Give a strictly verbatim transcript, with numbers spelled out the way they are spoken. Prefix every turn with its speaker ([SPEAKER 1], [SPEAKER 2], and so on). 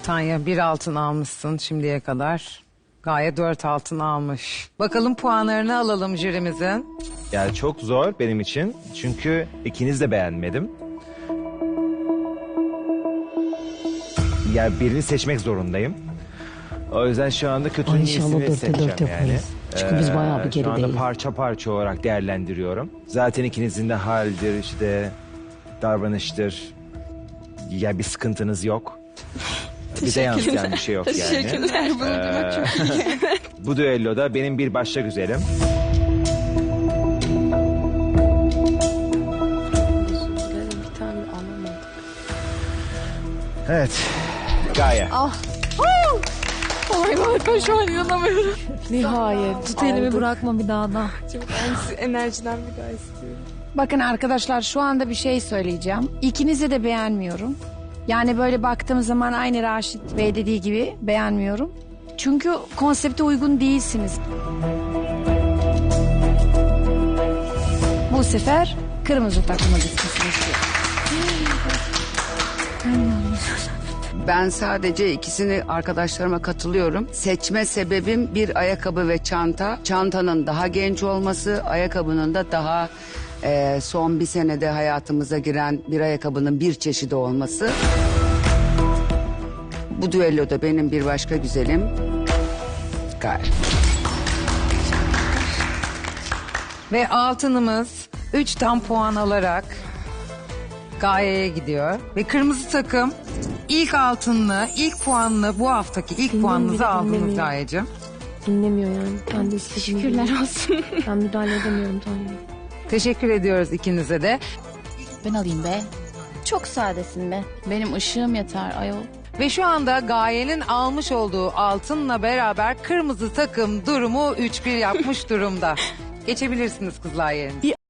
[SPEAKER 1] Tanya bir altın almışsın şimdiye kadar. Gaye dört altın almış. Bakalım puanlarını alalım jürimizin.
[SPEAKER 2] Yani çok zor benim için. Çünkü ikiniz de beğenmedim. Yani birini seçmek zorundayım. O yüzden şu anda kötünün
[SPEAKER 3] Ay, inşallah
[SPEAKER 2] iyisini
[SPEAKER 3] dörtte
[SPEAKER 2] seçeceğim
[SPEAKER 3] dört
[SPEAKER 2] yani.
[SPEAKER 3] yaparız. Çünkü biz bayağı bir
[SPEAKER 2] Şu anda
[SPEAKER 3] gerideyiz.
[SPEAKER 2] parça parça olarak değerlendiriyorum. Zaten ikinizin de haldir, işte davranıştır. Ya bir sıkıntınız yok. Bize yansıyan bir şey yok yani.
[SPEAKER 4] Teşekkürler. Bunu duymak çok iyi.
[SPEAKER 2] Bu düelloda benim bir başka güzelim.
[SPEAKER 4] Bir tane alamadım.
[SPEAKER 2] Evet. Gaye.
[SPEAKER 4] Oh my god, ben şu an inanamıyorum.
[SPEAKER 3] Nihayet.
[SPEAKER 4] Tut elimi,
[SPEAKER 3] bırakma bir daha da.
[SPEAKER 4] Çok enerjiden bir daha istiyorum.
[SPEAKER 5] Bakın arkadaşlar şu anda bir şey söyleyeceğim. İkinizi de beğenmiyorum. Yani böyle baktığım zaman aynı Raşit Bey dediği gibi beğenmiyorum. Çünkü konsepte uygun değilsiniz. Bu sefer kırmızı takıma gitmesini istiyorum.
[SPEAKER 6] Ben sadece ikisini arkadaşlarıma katılıyorum. Seçme sebebim bir ayakkabı ve çanta. Çantanın daha genç olması, ayakkabının da daha e, son bir senede hayatımıza giren bir ayakkabının bir çeşidi olması. Bu düelloda benim bir başka güzelim. Gaye.
[SPEAKER 1] Ve altınımız üç tam puan alarak Gaye'ye gidiyor. Ve kırmızı takım ilk altınlı, ilk puanlı bu haftaki ilk puanınızı
[SPEAKER 4] bile
[SPEAKER 1] aldınız
[SPEAKER 4] dinlemiyor.
[SPEAKER 1] Gayeciğim.
[SPEAKER 4] Dinlemiyor yani. Ben de istediğim gibi.
[SPEAKER 7] Şükürler olsun.
[SPEAKER 4] Ben müdahale edemiyorum Tanrım.
[SPEAKER 1] Teşekkür ediyoruz ikinize de.
[SPEAKER 7] Ben alayım be. Çok sadesin be. Benim ışığım yeter ayol.
[SPEAKER 1] Ve şu anda Gaye'nin almış olduğu altınla beraber kırmızı takım durumu üç bir yapmış durumda. Geçebilirsiniz kızlar yerine.